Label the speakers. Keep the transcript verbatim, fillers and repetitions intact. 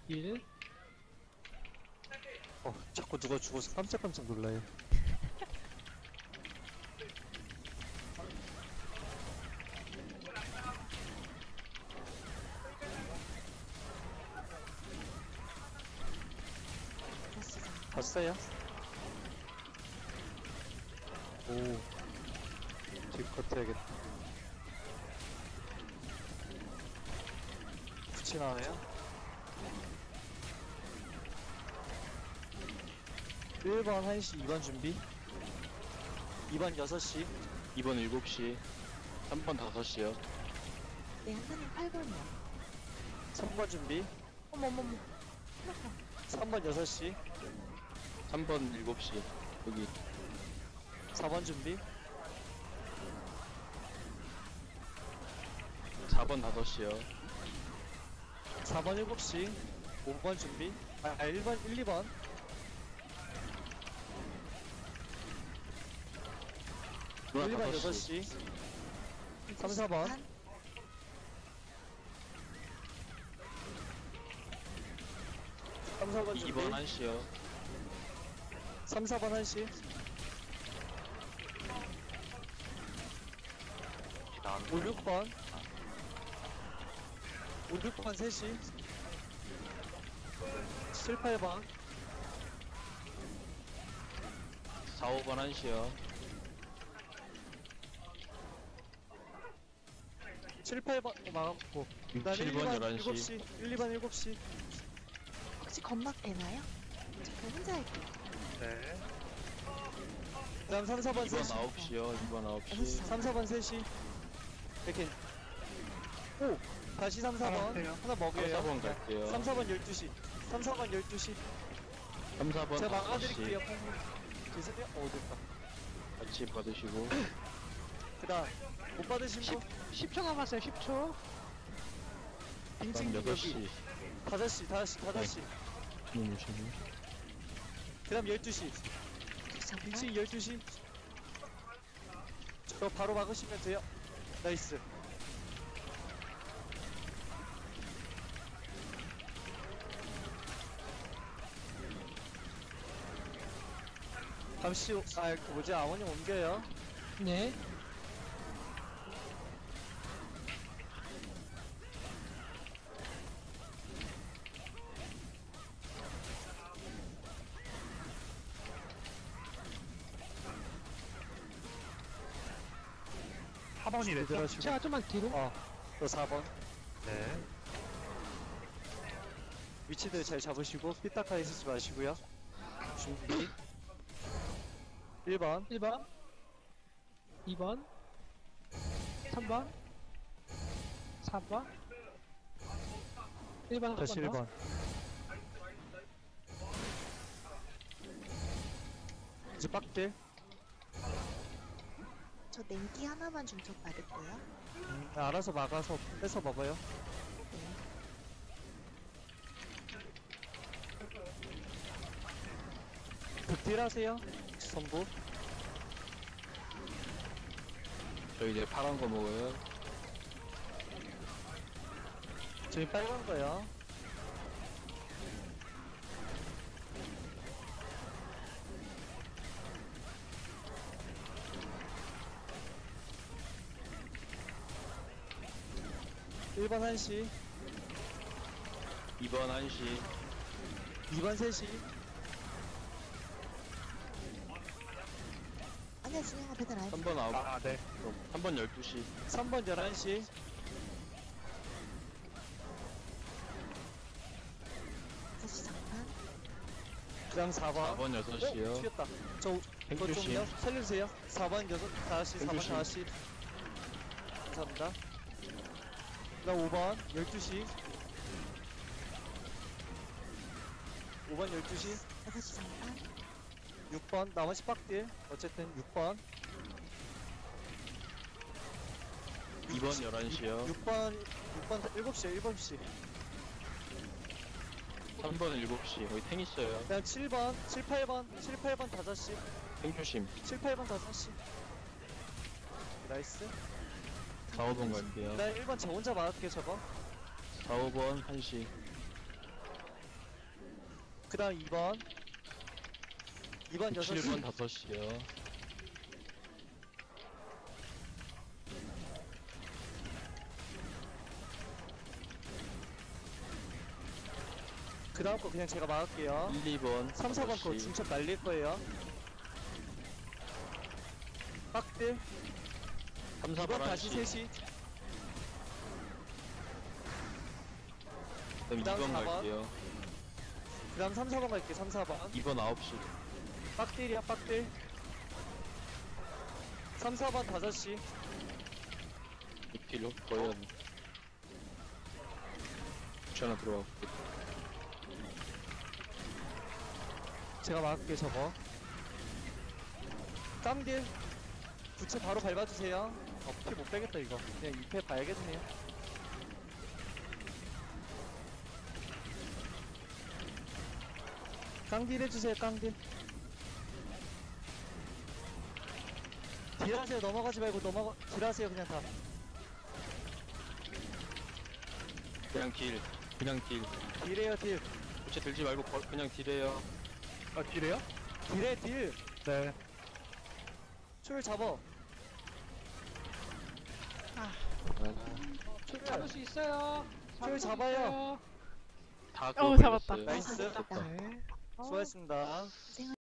Speaker 1: 일.
Speaker 2: 어, 자꾸 누가 죽어서 깜짝깜짝 놀라요. 봤어요? 오, 뒷컷 해야겠다. 붙이나네요? 일 번 한 시, 이 번 준비. 이 번 여섯 시.
Speaker 3: 이 번 일곱 시, 삼 번 다섯 시요.
Speaker 4: 네, 한사님 팔 번이요.
Speaker 2: 삼 번 준비.
Speaker 4: 어머머머.
Speaker 2: 삼 번 여섯 시.
Speaker 3: 삼 번 일곱 시. 여기
Speaker 2: 사 번 준비.
Speaker 3: 사 번 다섯 시요.
Speaker 2: 사 번 일곱 시. 오 번 준비. 아, 아 일 번, 일, 이 번.
Speaker 3: 누나
Speaker 2: 일 번
Speaker 3: 다섯
Speaker 2: 여섯
Speaker 3: 시.
Speaker 2: 시. 삼, 사 번. 삼, 사 번 준비.
Speaker 3: 이 번 한 시요.
Speaker 2: 삼, 사 번 한 시. 오, 육 번. 오, 육 번 세 시. 칠, 팔 번.
Speaker 3: 사, 오 번 한 시요.
Speaker 2: 칠, 팔 번 막았고. 그다음에
Speaker 3: 칠
Speaker 2: 일,
Speaker 3: 번
Speaker 2: 이 번
Speaker 3: 열한
Speaker 2: 일곱
Speaker 3: 시.
Speaker 2: 시. 일, 이 번 일곱 시.
Speaker 4: 혹시 건막 되나요? 저 그럼 혼자 할게요.
Speaker 2: 네. 그다음 삼, 사 번
Speaker 3: 이
Speaker 2: 세
Speaker 3: 번
Speaker 2: 시.
Speaker 3: 아홉 시요. 이 번 아홉
Speaker 4: 여섯
Speaker 3: 시.
Speaker 4: 시.
Speaker 2: 삼, 사 번 세 시. 이렇게. 오! 다시 삼, 사 번. 하나
Speaker 3: 삼,
Speaker 2: 먹여요.
Speaker 3: 사 번 갈게요.
Speaker 2: 삼, 사 번 열두 시. 삼, 사 번 열두 시.
Speaker 3: 삼, 사 번
Speaker 2: 제가
Speaker 3: 다섯 시.
Speaker 2: 막아드릴게요. 죄송해요. 어, 됐다.
Speaker 3: 같이 받으시고.
Speaker 2: 그 다음, 못 받으신 분?
Speaker 1: 십 초 남았어요. 십 초.
Speaker 2: 빙칭
Speaker 3: 그다음 여섯
Speaker 2: 여기.
Speaker 3: 시.
Speaker 2: 다섯 시, 다섯 시, 다섯 시.
Speaker 3: 너무 재밌네.
Speaker 2: 그 다음 열두 시.
Speaker 4: 잠깐.
Speaker 2: 빙칭 열두 시. 저 바로 막으시면 돼요. 나이스. 잠시, 후- 아, 그 뭐지, 아버님 옮겨요.
Speaker 1: 네.
Speaker 2: 사 번이래. 들어가시고.
Speaker 1: 제가 좀만 뒤로.
Speaker 2: 어, 또 사 번. 네. 위치들 잘 잡으시고, 삐딱하게 쓰지 마시고요. 준비. 일 번.
Speaker 1: 일 번. 이 번. 삼 번. 사 번. 일 번.
Speaker 2: 다시 일 번. 이제 빡딜.
Speaker 4: 저 냉기 하나만 중첩 받을게요.
Speaker 2: 음, 알아서 막아서 뺏어 먹어요. 극딜 하세요. 선부.
Speaker 3: 저 이제 파란 거 먹어요.
Speaker 2: 저희 빨간 거요. 일 번 한 시,
Speaker 3: 이 번 한 시.
Speaker 2: 이 번 세 시,
Speaker 4: 아니야, 진영아 배달 안 해.
Speaker 3: 삼 번 아홉.
Speaker 2: 아, 네.
Speaker 3: 삼 번 열두 시.
Speaker 2: 삼 번 열한 시,
Speaker 4: 다섯 시 잠깐.
Speaker 2: 그 다음 사 번.
Speaker 3: 사 번 여섯 시요.
Speaker 2: 어, 튀겼다. 저, 이거
Speaker 3: 행주심.
Speaker 2: 좀요. 살려주세요. 사 번 여섯, 다섯 시, 사 번
Speaker 3: 행주심.
Speaker 2: 다섯 시. 감사합니다. 그 다음 오 번, 열두 시. 오 번 열두 시.
Speaker 4: 여섯 시 잠깐.
Speaker 2: 육 번, 나머지 빡딜. 어쨌든 육 번.
Speaker 3: 이 번 열한 시요.
Speaker 2: 육 번, 육 번, 일곱 시요, 일곱 시.
Speaker 3: 삼 번 일곱 시. 거기 탱 있어요.
Speaker 2: 그다음 칠 번, 칠, 팔 번, 칠, 팔 번 다섯 시.
Speaker 3: 탱 조심.
Speaker 2: 칠, 팔 번 다섯 시. 나이스.
Speaker 3: 사, 오 번 갈게요.
Speaker 2: 나 일 번 저 혼자 맞을게, 저거.
Speaker 3: 사, 오 번 한 시.
Speaker 2: 그 다음 이 번 이 번 여섯 시
Speaker 3: 칠 번 다섯 시요.
Speaker 2: 그 다음 거 그냥 제가 막을게요.
Speaker 3: 일, 이 번
Speaker 2: 삼, 사 번
Speaker 3: 다섯
Speaker 2: 거
Speaker 3: 시.
Speaker 2: 중첩 날릴 거예요. 빡들
Speaker 3: 삼, 사
Speaker 2: 이 번
Speaker 3: 번
Speaker 2: 다시
Speaker 3: 한 시.
Speaker 2: 세 시
Speaker 3: 그다음 이
Speaker 2: 그다음
Speaker 3: 번
Speaker 2: 사 번.
Speaker 3: 갈게요.
Speaker 2: 그 다음 삼, 사 번 갈게. 삼, 사 번
Speaker 3: 이 번 아홉 시.
Speaker 2: 빡들이야 빡들 삼, 사 번 다섯 시
Speaker 3: 길 거의 한 주 하나 들어가고.
Speaker 2: 제가 막을게 저거 깜딜 부채 바로 밟아주세요. 어, 피 못 빼겠다 이거. 그냥 이 패 봐야겠네요. 깡딜 해주세요 깡딜. 딜하세요. 넘어가지 말고 넘어가 딜하세요 그냥 다.
Speaker 3: 그냥 딜. 그냥 딜.
Speaker 2: 딜해요 딜.
Speaker 3: 부채 들지 말고 거- 그냥 딜해요.
Speaker 1: 아, 딜해요?
Speaker 2: 딜해 딜.
Speaker 1: 네.
Speaker 2: 출 잡어. 출
Speaker 1: 잡을 수 있어요.
Speaker 2: 줄 잡아요.
Speaker 3: 다
Speaker 5: 어,
Speaker 3: 그거
Speaker 5: 잡았다.
Speaker 3: 걸렸어요.
Speaker 2: 나이스.
Speaker 1: 네.
Speaker 2: 수고하셨습니다.
Speaker 4: 고생